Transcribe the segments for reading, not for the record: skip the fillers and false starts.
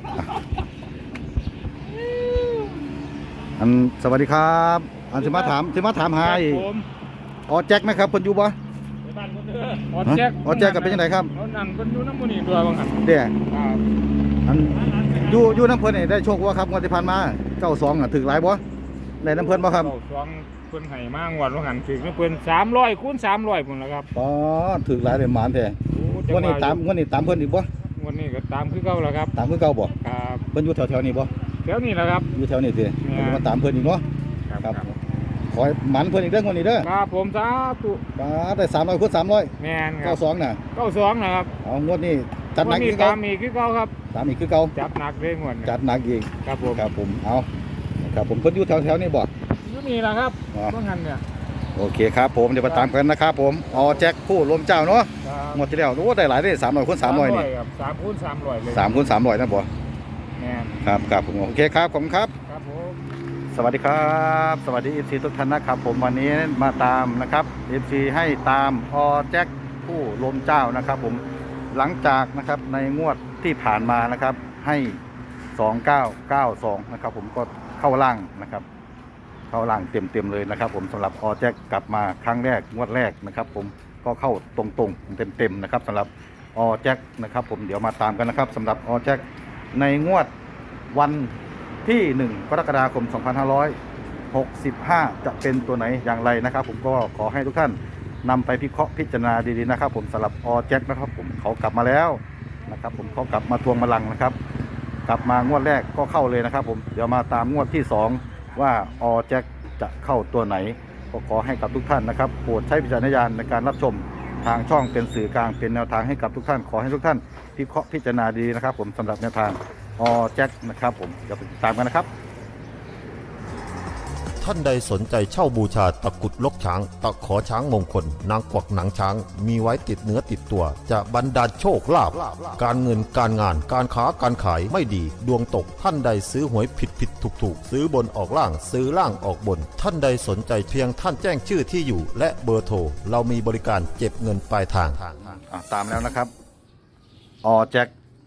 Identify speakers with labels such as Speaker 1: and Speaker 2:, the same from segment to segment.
Speaker 1: อันสวัสดีครับอันสิมาถามหาอีกอ๋อแจ็คไหมครับคนอยู่บ่
Speaker 2: ออแจ็ค
Speaker 1: กับเป็นยังไงครับ
Speaker 2: เขานั่งคนอยู่น้ำมันนี่ตัวบางหัน
Speaker 1: เด้อันอยู่น้ำเพิ่นนี่ได้โชคว่าครับงวดที่ผ่านมา92อ่ะถึงหลายบ่ได้น้ำเพิ่นบ่ครับ
Speaker 2: 92เพิ่นให้มางวดบางหันถึงน้ำเพิ่น300คูณ300พุ่นล่ะครับ
Speaker 1: อ๋อถึงหลายได้หมานแท้งวดนี้ตามเพิ่นอีกบ่
Speaker 2: งวดนี้ก็ตามคือเก่าแล้วครับ
Speaker 1: ตามคือเก่าบ่
Speaker 2: ครับ
Speaker 1: เพิ่นอยู่แถวๆนี้บ่
Speaker 2: แถวนี้แหละครับ
Speaker 1: อยู่แถวนี้สิมาตามเพิ่นอีกเนาะครับขอหมันเพิ่นอีกเด้องวดนี้เด้อ
Speaker 2: ครับผมสาธุ
Speaker 1: ได้300คูณ300
Speaker 2: แม่นครับ
Speaker 1: 92น่ะ
Speaker 2: 92นะครับ
Speaker 1: เอางวดนี้จัดหนักอีก
Speaker 2: ตามอีกคือเก่าครับ
Speaker 1: ตามอีกคือเก่า
Speaker 2: จัดหนักเลยงวด
Speaker 1: จัดหนักอีก
Speaker 2: ครับ
Speaker 1: ผมเอาครับผมเพิ่นอยู่แถวๆนี้บ่
Speaker 2: อยู่นี่แหละครับบางหันเนี่ย
Speaker 1: โอเคครับผมเดี๋ยวมาตามกันนะครับผมอ๋อแจ็คผู้ลมเจ้าเนาะหมดที่แล้วโอ้ได้หลายได้300คูณ300นี่
Speaker 2: 3คูณ300เลย
Speaker 1: 3คูณ300นะบ่
Speaker 2: แม่น
Speaker 1: ครับผมโอเคครับผมครับ
Speaker 2: ครับผม
Speaker 1: สวัสดีครับสวัสดี FC ทุกท่านนะครับผมวันนี้มาตามนะครับ FC ให้ตามอ๋อแจ็คผู้ลมเจ้านะครับผมหลังจากนะครับในงวดที่ผ่านมานะครับให้2992นะครับผมก็เข้าล่างนะครับเข้าล่างเต็มเลยนะครับผมสำหรับออแจ็คกลับมาครั้งแรกงวดแรกนะครับผมก็เข้าตรงๆเต็มนะครับสำหรับออแจ็คนะครับผมเดี๋ยวมาตามกันนะครับสำหรับออแจ็คในงวดวันที่1กรกฎาคม2565จะเป็นตัวไหนอย่างไรนะครับผมก็ขอให้ทุกท่านนำไปพิเคราะห์พิจารณาดีๆนะครับผมสำหรับออแจ็คนะครับผมเขากลับมาแล้วนะครับผมเขากลับมาทวงบัลลังก์นะครับกลับมางวดแรกก็เข้าเลยนะครับผมเดี๋ยวมาตามงวดที่2ว่าออแจ็คจะเข้าตัวไหนก็ขอให้กับทุกท่านนะครับโปรดใช้วิจารณญาณในการรับชมทางช่องเป็นสื่อกลางเป็นแนวทางให้กับทุกท่านขอให้ทุกท่านพิเคราะห์พิจารณาดีนะครับผมสำหรับแนวทางออแจ็คนะครับผมเดี๋ยวไปติดตามกันนะครับ
Speaker 3: ท่านใดสนใจเช่าบูชาตะกุดลกช้างตะขอช้างมงคลนางกวักหนังช้างมีไว้ติดเนื้อติดตัวจะบรรดาลโชคลาภการเงินการงานการค้าการขายไม่ดีดวงตกท่านใดซื้อหวยผิดถูกซื้อบนออกล่างซื้อล่างออกบนท่านใดสนใจเพียงท่านแจ้งชื่อที่อยู่และเบอร์โทรเรามีบริการเก็บเงินปลายทาง
Speaker 1: ตามแล้วนะครับออแจ็ค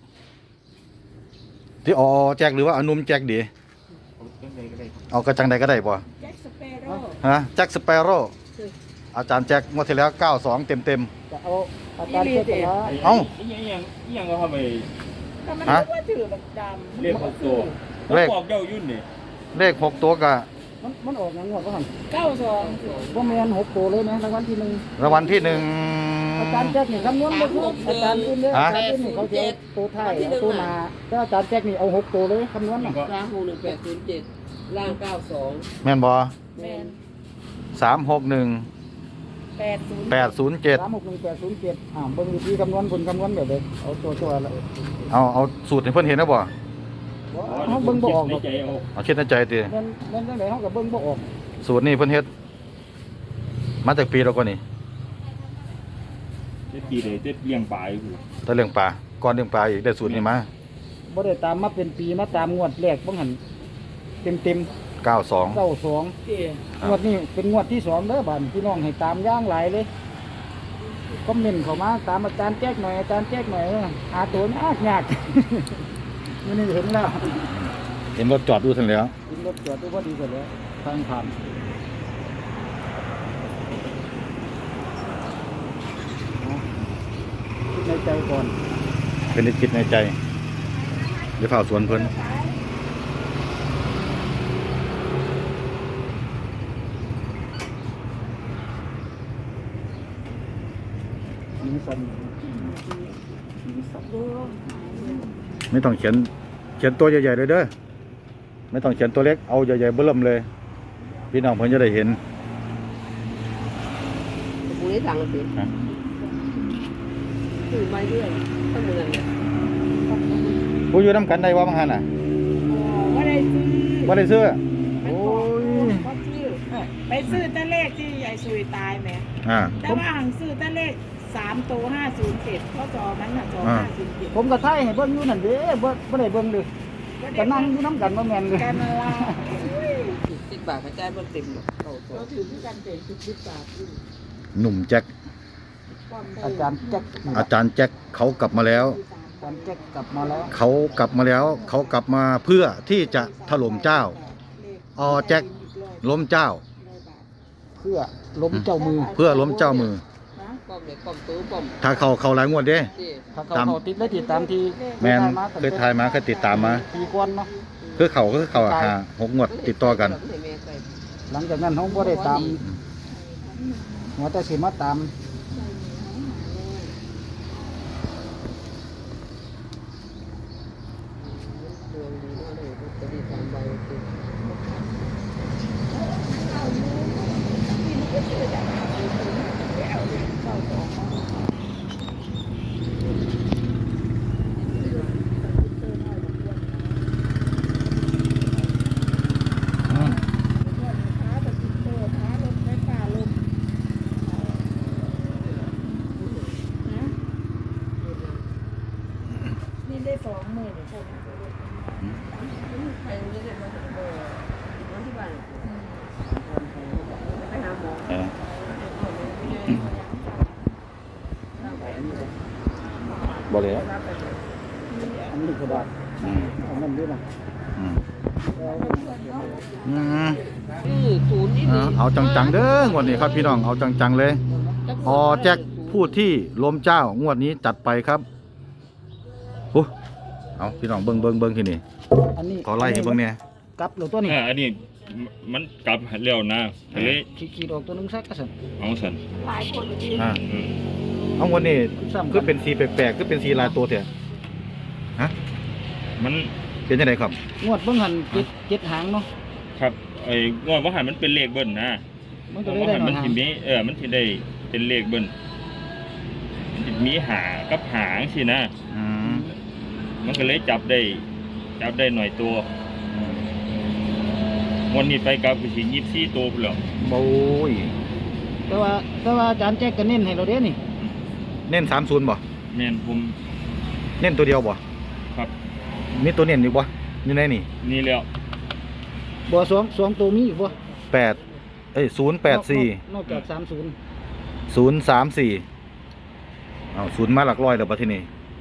Speaker 1: ที่ออแจ็คหรือว่าอนุมแจ็คดีเอากระจังใดก็ได้ป่ะแจ็คสเปโร่ฮะแจ็คสเปโร่อาจารย์แจ็คงวดที่แล้ว92เต็ม
Speaker 4: เอาอาจารย์เจ็ด
Speaker 1: เอา
Speaker 2: ยังก็ทำไม
Speaker 1: ฮะ
Speaker 2: เลข6ตัวบอกเจ้ายุ่นนี่
Speaker 1: เลข6ตัวกะ
Speaker 4: มันออกอย่างงวดก็หัน92ว่าแมน6ตัวเลยนะรางวัลที่1
Speaker 1: รางวัลที่1
Speaker 4: อาจารย์แจ็คนี่คำนวณไปทุกอาจารย์อื่นเนี่ยอาจารย์อื่นนี่เขาจะตัวท้ายตัวหน้าแต่อาจารย์แจ็คนี่เอา6ตัวเลยคำนวณน่ะ
Speaker 5: 36187ล่าง92
Speaker 1: แม่นบ่
Speaker 4: แมน
Speaker 1: 361 807
Speaker 4: 361 807เบิ่งวิธีคำนวณผลคำนวณแบบเด็กเอาตัวละ
Speaker 1: เอาสูตรให้เพิ่นเห็นนะบ่
Speaker 4: เฮาเบิ่งบ่ออก
Speaker 1: เอาคิดในใจติ
Speaker 4: แม่นจังได๋เฮาก็เบิ่งบ่ออก
Speaker 1: สูตรนี้เพิ่นเฮ็ดมาจากปีแล้วก็นี่
Speaker 2: ปีเลยเลี้ยงปลาอยู่
Speaker 1: แต่เรื่องปลาก่อนเรื่องปลาอีกได้สูตรนี้มา
Speaker 4: บ่ได้ตามมาเป็นปีมาตามงวดแรกบ่หันเต็ม
Speaker 1: 92
Speaker 4: งวดนี้เป็นงวดที่2เด้อบัดพี่น้องให้ตามอย่างหลายเลยคอมเมนต์เข้ามาตามอาจารย์แจ๊กหน่อยอาจารย์แจ๊กหน่อยหาตัวยากนี่เห็นแล้ว
Speaker 1: เห็นรถจอดดูซั่นแล้ว
Speaker 4: เห็นรถจอดดูพอดีกันแล้วทางผ่านคิดในใจก่อน
Speaker 1: เป็นคิดในใจเดี๋ยวเฝ้าสวนเพิ่นไม่ต้องเขียนตัวใหญ่ๆเลยเด้อไม่ต้องเขียนตัวเล็กเอาใหญ่ๆเบิ่มเลยพี่น้องเพิ่นจะได้เห็น
Speaker 5: ผู้นี้สั่งสิซื้อมาเรื่อยต้องเหมือนเนี่ย
Speaker 1: ผู้อยู่นำกันได้ว่าบางหันน่ะบ่ได้ซื้อโอ้ย
Speaker 6: ไปซื้อตะเลขที่ยายซุยตายไหมแต่ว่าหังซื้อตะเลข3ตัว507เขาจอมันน่ะจอ507
Speaker 4: ผมก็ไทยให้เบิ่งอยู่นั่นเด้บ่ได้เบิ่งเลยก็นั่งอยู่นำกันบ่แม่นเลย
Speaker 6: กันละ
Speaker 5: 10 บาทกระจายบ่เต็มหรอก
Speaker 6: เราถือที่กันเต็ม10 บาท
Speaker 1: หนุ่มแจ็ค
Speaker 4: อาจารย์แจ็ค
Speaker 1: เขากลับมาแล้ว
Speaker 4: จานแจ็คกลับมาแล้ว
Speaker 1: เขากลับมาแล้วเขากลับมาเพื่อที่จะถล่มเจ้าอแจ็คล้มเจ้า
Speaker 4: เพื่อล้มเจ้ามือ
Speaker 1: เพื่อล้มเจ้ามือ
Speaker 5: ป้อมเด็กป้อมตู้ป้อม
Speaker 1: ถ้าเขาหลายงวดเด้
Speaker 5: ที่
Speaker 4: ถ้าเขาติดได้ติดตามที่
Speaker 1: แมนเคยทายมาเคยติดตามมา
Speaker 4: ปีก่อนเนาะ
Speaker 1: คือเขาหา6 งวดติดต่อกัน
Speaker 5: ให้แม่ใส่
Speaker 4: หลังจากนั้นเขาบ่ได้ตามหัวแต่สิมาตาม
Speaker 5: ดวงดีมากเลยจะดี3ใบโอเค
Speaker 6: นี่ได้20,000เนี่ยใช่ไหม
Speaker 5: ไปนี่เลยมาวันที่บ้านไปหาหมอ
Speaker 1: บ่เลย
Speaker 4: อันนี้กระดาษอันนั้นด้วยนะ
Speaker 5: ศูนย์นี่
Speaker 1: เอาจังๆเด้องวดนี้ครับพี่น้องเอาจังๆเลยอแจ็คพูดที่ล้มเจ้างวดนี้จัดไปครับโอ้เอาพี่น้องเบิ่งที่นี่
Speaker 4: อันนี้
Speaker 1: ขอไล่ให้เบิ่งเนี่ย
Speaker 4: กลับหรือตัวนี้
Speaker 2: อันนี้มันกลับเร็วนะเลย
Speaker 4: ขีดออกตัวหนึงซักกระสัน
Speaker 2: เอาสัน
Speaker 6: หลายคนเลย
Speaker 1: อ่า
Speaker 2: อืม
Speaker 1: เอางวดนี้
Speaker 4: ซ้ำ
Speaker 1: คือเป็นสีแปลกๆคือเป็นสีลายตัวเถอะฮะ
Speaker 2: มัน
Speaker 1: เป็นยังไงครับ
Speaker 4: งวดเบิ่งหันเจ็ดหางเนาะ
Speaker 2: ครับไอ้งวดว่าหันมันเป็นเลขเบิ้ลนะ
Speaker 4: มันก็
Speaker 2: เพ
Speaker 4: เลย
Speaker 2: ราะ
Speaker 4: ได้
Speaker 2: ว่า
Speaker 4: หน่
Speaker 2: มั
Speaker 4: อน ยหาง
Speaker 2: สิมีมันสิได้เป็นเลขเบิ้ลมันสิมีหากับหางสินะ
Speaker 1: อืม
Speaker 2: มันก็เลยจับได้หน่อยตัววันนี้ไปกับสิ24ตัวพุ่นแล้ว
Speaker 1: โอ้ย
Speaker 4: แต่ว่าอาจารย์แจ็คก็เน้นให้เราเด้นี่
Speaker 1: เน้น30บ่
Speaker 2: แม่นผม
Speaker 1: เน้นตัวเดียวบ่
Speaker 2: ครับ
Speaker 1: มีตัวเน้นอยู่บ่อยู่ในนี่
Speaker 2: นี่แล้ว
Speaker 4: บ่สองตัวมีอีกบ่
Speaker 1: 084
Speaker 4: นอกจาก30
Speaker 1: 034เอา0มาหลักร้อยแล้วบัดทีนี้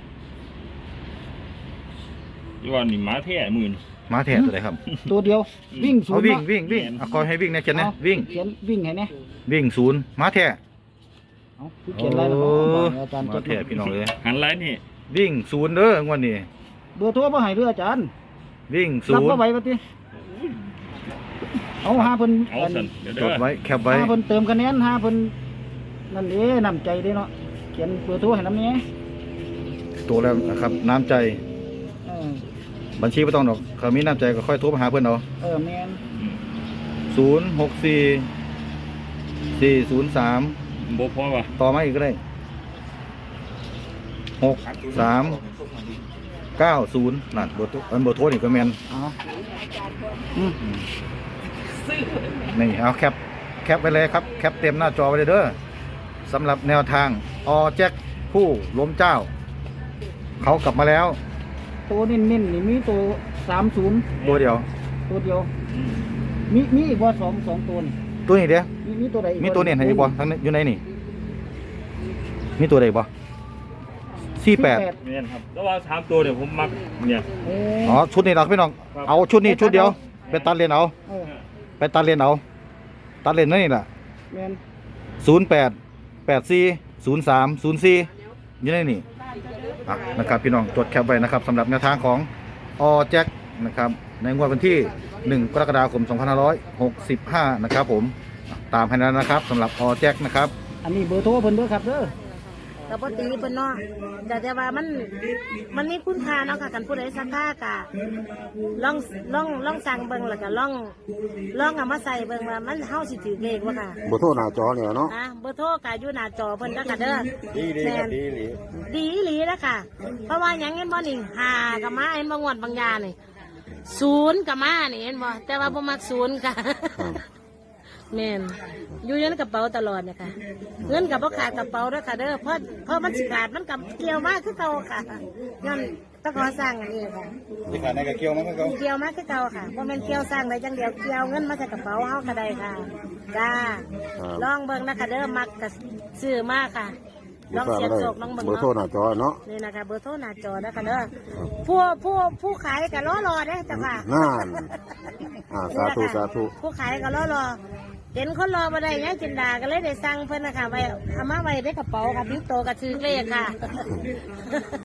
Speaker 2: ที่ว่านี่หมาแท้มื้อนี่
Speaker 1: มาแท้ตัวใดครับ
Speaker 4: ตัวเดียววิ่งศู
Speaker 1: เอา
Speaker 4: นย์
Speaker 1: วิ่ง
Speaker 4: เนาะ
Speaker 1: วิ่งเอาขอให้วิ่งนะเขียนนะ
Speaker 4: เอา
Speaker 1: วิ่ง
Speaker 4: เขียนวิ่งให้แน่
Speaker 1: วิ่ง0มาแท้
Speaker 4: เอาคือเขียนอะไรล่ะ
Speaker 1: โอ้
Speaker 4: อาจารย์
Speaker 1: มา
Speaker 4: แจ็ค
Speaker 1: แท้พี่น้องเอ้ย
Speaker 2: หันไลน์นี่
Speaker 1: วิ่ง0เด้องวดนี้
Speaker 4: เบอร์โทรบ่ให้เด้ออาจารย์
Speaker 1: วิ่ง
Speaker 4: รับบ่ไหว
Speaker 1: 0
Speaker 4: บ่ติเอาหาเพิ่น
Speaker 2: เอาสันเดี๋ยว
Speaker 1: จ
Speaker 2: เด้อ
Speaker 1: ดไว้แคปไว้
Speaker 4: หาเพิ่นเติมคะแนนหาเพิ่นนั่นเด้น้ำใจเด้เนาะเขียนเบอร์โทรให้นำแหน่
Speaker 1: ตัวแล้วนะครับน้ำใจ
Speaker 4: เออ
Speaker 1: บัญชีไม่ต้องดอกเขามีน้ำใจก็ค่อยโทรมาหาเพื่อนเอา
Speaker 4: แม่น
Speaker 1: 064 403
Speaker 2: บ่พอว่ะ
Speaker 1: ต่อมาอีกก็ได้63 90นั่นเบอร์โทรเบอร์โทรนี่ก็แมน
Speaker 4: เอาอืม
Speaker 1: นี่เอาแคปไว้เลยครับแคปเต็มหน้าจอไว้เลยเด้อสำหรับแนวทางอแจ็คผู้ล้มเจ้า เขากลับมาแล้ว
Speaker 4: ตัวนิ่นๆนี่มีตัว30
Speaker 1: ตัวเดียว
Speaker 4: ตัวเดียวมีอีกบ่สองตัวนี่
Speaker 1: ตัวนี้เดียว
Speaker 4: มีตัวใดอีก
Speaker 1: มีตัวเนี่ยให้อีกบ่ทั้งนี้อยู่ในนี่มีตัวใดบ่48
Speaker 2: แม่นครับแล้วว่า3ตัวเนี่ยผมมักเนี่ย
Speaker 4: เอ้
Speaker 1: อ๋อชุดนี้เราพี่น้องเอาชุดนี้ชุดเดียวไปตัดเลนเอา
Speaker 4: เออ
Speaker 1: ไปตัดเลนเอาตัดเลนนั่นนี่แหละ
Speaker 4: แม่น
Speaker 1: 08 84 03 04อยู่ในนี่อ่ะนะครับพี่น้องจดแคปไว้นะครับสำหรับแนวทางของอแจ็คนะครับในงวดวันที่ 1 กรกฎาคม 2565 นะครับผมตามให้แล้วนะครับสำหรับอแจ็คนะครับ
Speaker 4: อันนี้เบอร์โทรเพิ่นเด้อครับเด้อ
Speaker 7: ก็บ่ตีเพิ่นเนาะแต่ว่ามันมีคุณค่าเนาะค่ะกันผู้ใดศรัทธากะลองสั่งเบิ่งแล้วก็ลองเอามาใส่เบิ่งว่ามันเฮาสิถือเลขบ่ค่ะ
Speaker 3: บโทรหน้าจอเนี่ยเนาะ
Speaker 7: เบอร์โทรก็อยู่หน้าจอเพิ่นเด้อค่ะเด้อดีอีหลีแล้วค่ะ เพราะว่าหยังเห็นบ่นี่5ก็มาเห็นบ่งวดบางยานี่0ก็มานี่เห็นบ่แต่ว่าบ่มัก0ค่ะแม่นอยู่ในกระเป๋าตลอดเนี่ยค่ะเงินกับพ่ขาดกระเป๋าด้วยค่ะเด้อเพราะมันสิขาดมันกับเกี่ยวมากคือเก่าค่ะงั้นต้องขอสร้างอันนี้ค่ะ
Speaker 1: ที่ขาดในกระเกียวมันก็
Speaker 7: เกี่ยวมากคือเก่าค่ะเพราะมันเกี่ยวสร้างได้จังเดียวเกี่ยวเงินมาใส่กระเป๋าเฮาก็ได้ค่ะจ้าลองเบิ่งนะคะเด้อมักกับซื้อมากค่ะลองเสียบโศกลองเบิ่ง
Speaker 3: เบอร์โทรห
Speaker 7: เนาะ
Speaker 3: น้าจอเนาะ
Speaker 7: นี่นะคะเบอร์โทรหน้าจอนะคะเด้อผู้ขายก็รอเด้อจ้ะค่ะ
Speaker 3: นั่นสาธุสาธุ
Speaker 7: ผู้ขายก็รอเห็นคนรอมาได้ยังจินดาก็เลยได้สั่งเพิ่นนะคะไว้เอามาไว้ในกระเป๋าค่ะบิ้วโตกับชื่อเลขค่ะ